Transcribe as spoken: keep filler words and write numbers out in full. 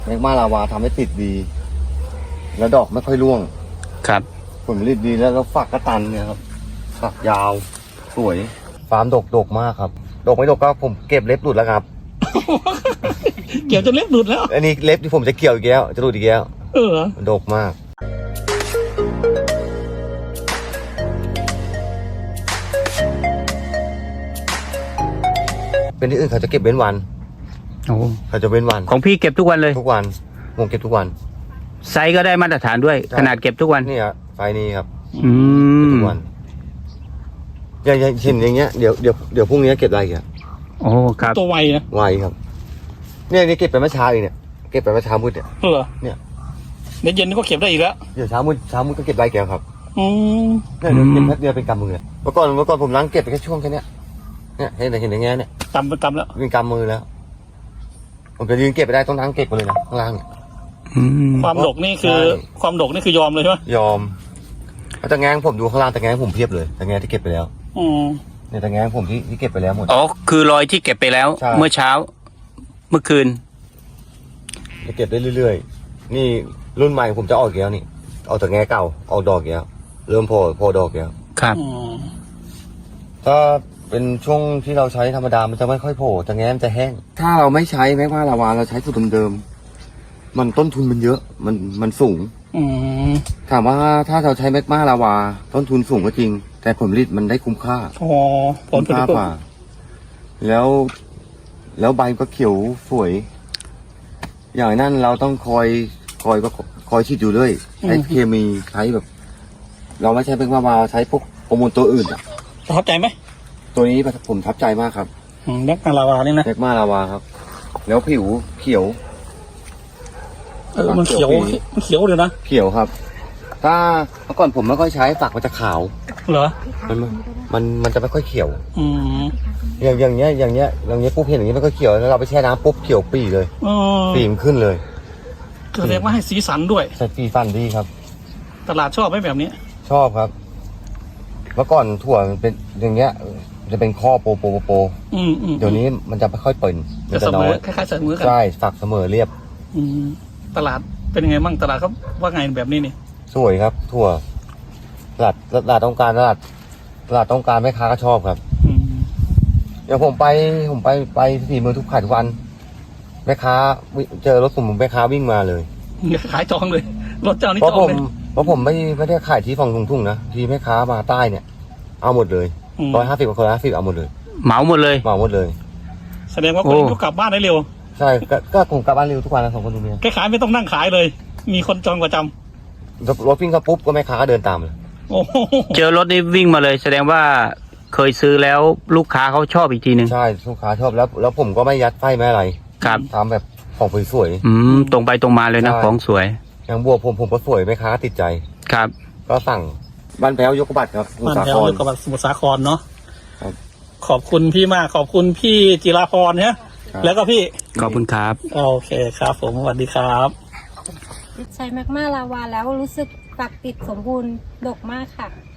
แมกมาลาวาทำให้ติดดี แล้วดอกไม่ค่อยร่วงครับผลผลิตดีแล้วก็ฝักกระตันเนี่ยครับฝักยาวสวยฟาร์มดกดกมากครับดกไม่ดกก็ผมเก็บเล็บหลุดแล้วครับเกี่ยวจนเล็บหลุดแล้วอันนี้เล็บที่ผมจะเกี่ยวอีกแล้วจะหลุดอีกแล้วเออดกมากเป็นที่อื่นเขาจะเก็บเว้นวันโอ้เขาจะเว้นวันของพี่เก็บทุกวันเลยทุกวันผมเก็บทุกวันไซส์ก็ได้มาตรฐานด้วยขนาดเก็บทุกวันนี่ครับไฟนี้ครับอืมทุกวันอย่างอย่างเช่นอย่างเงี้ยเดี๋ยวเดี๋ยวเดี๋ยวพรุ่งนี้เก็บอะไรกันโอ้ครับตัวไวนะไวครับเนี่ยนี่เก็บไปเมื่อเช้าเองเนี่ยเก็บไปเมื่อเช้ามืดเนี่ยเออเนี่ยเดี๋ยวเย็นก็เก็บได้อีกแล้วเดี๋ยวเช้ามืดเช้ามืดก็เก็บไรแกครับอืมเนี่ยเดี๋ยวเก็บแป๊บเดียวเป็นกำมือเมื่อก่อนเมื่อก่อนผมล้างเก็บไปแค่ช่วงแค่นี้เนี่ยเห็นเห็นอย่างเงี้ยเนี่ยกำเป็นกำแล้วเป็นกำมือแล้วผมจะยืนเก็บไปได้ต้องล้างเก็บไปเลยนะข้างล่างเนี่ยความดกนี่คือความดกนี่คือยอมเลยใช่ไหมยอมแต่แงงผมดูข้างล่างแต่แงงผมเพียบเลยแต่แงงที่เก็บไปแล้วอืมเนี่ยแต่แงงผมที่ที่เก็บไปแล้วหมดอ๋อคือรอยที่เก็บไปแล้วเมื่อเช้าเมื่อคืนจะเก็บได้เรื่อยๆนี่รุ่นใหม่ผมจะออกอีกแล้วนี่เอาแต่แงงเก่าออกดอกอีกแล้วเริ่มโผล่โผล่ดอกอีกแล้วครับถ้าเป็นช่วงที่เราใช้ธรรมดามันจะไม่ค่อยโผล่แต่แงงมันจะแห้งถ้าเราไม่ใช้แม้ว่าลาวาเราใช้สูตรเดิมๆมันต้นทุนมันเยอะมันมันสูงถามว่าถ้าเราใช้แมกมาลาวาต้นทุนสูงก็จริงแต่ผลผลิตมันได้คุ้มค่าอ๋อผลผลิตกว่าแล้วแล้วใบก็เขียวสวยอย่างนั้นเราต้องคอยคอยก็คอยฉีดอยู่เรื่อยใช้เคมีใช้แบบ เราไม่ใช้แมกมาลาวาใช้พวกฮอร์โมนตัวอื่นอ่ะประทับใจไหมตัวนี้ผมทับใจมากครับแมกมาลาวานี่นะแมกมาลาวาครับแล้วผิวเขียวเออมันเขียวมันเขียวเลยนะเขียวครับถ้าเมื่อก่อนผมไม่ค่อยใช้ฝักมันจะขาวเหรอมันมันมันจะไม่ค่อยเขียวอืมอย่างอย่างเงี้ยอย่างเงี้ยอย่างเงี้ยปุ๊บเห็นอย่างเงี้ยไม่ค่อยเขียวแล้วเราไปแช่น้ำปุ๊บเขียวปีเลยปีมันขึ้นเลยแสดงว่าให้สีสันด้วยใส่ปีฟันดีครับตลาดชอบไหมแบบนี้ชอบครับเมื่อก่อนถั่วมันเป็นอย่างเงี้ยจะเป็นข้อโปโปโปอืมอืมเดี๋ยวนี้มันจะไม่ค่อยเปิ่นจะเสมอคล้ายๆเสมอกันใช่ฝักเสมอเรียบอืมตลาดเป็นยังไงบ้างตลาดเขาว่าไงแบบนี้นี่สวยครับถั่วตลาดตลาดต้องการตลาดตลาดต้องการแม่ค้าก็ชอบครับอย่างผมไปผมไปไปสี่เมืองทุกขายทุกวันแม่ค้าเจอรถผมแม่ค้าวิ่งมาเลยขายจองเลยรถเจ้านี่จองเลยเพราะผมไม่ไม่ได้ขายที่ฝั่งทุ่งๆนะที่แม่ค้ามาใต้เนี่ยเอาหมดเลยร้อยห้าสิบกับคนละห้าสิบเอาหมดเลยเหมาหมดเลยเหมาหมดเลยแสดงว่าคนนี้กลับบ้านได้เร็วใช่ก็ผมกลับบ้านเร็วทุกวันนะสองคนตรงนี้แค่ขายไม่ต้องนั่งขายเลยมีคนจองประจำรถวิ่งเข้าปุ๊บก็แม่ค้าก็เดินตามเลยเจอรถนี้วิ่งมาเลยแสดงว่าเคยซื้อแล้วลูกค้าเขาชอบอีกทีหนึ่งใช่ลูกค้าชอบแล้วแล้วผมก็ไม่ยัดไฟไม่อะไรครับทำแบบของสวยๆอืมตรงไปตรงมาเลยนะของสวยอย่างบัวผมผมก็สวยแม่ค้าติดใจครับก็สั่งบ้านแพ้วยกบัตรครับบ้านแพ้วยกบัตรสมุทรสาครเนาะขอบคุณพี่มากขอบคุณพี่จิราพรเนี่ยแล้วก็พี่ขอบคุณครับโอเคครับผมสวัสดีครับใช้แมกมาลาวาแล้วรู้สึกฝักติดสมบูรณ์ดกมากค่ะ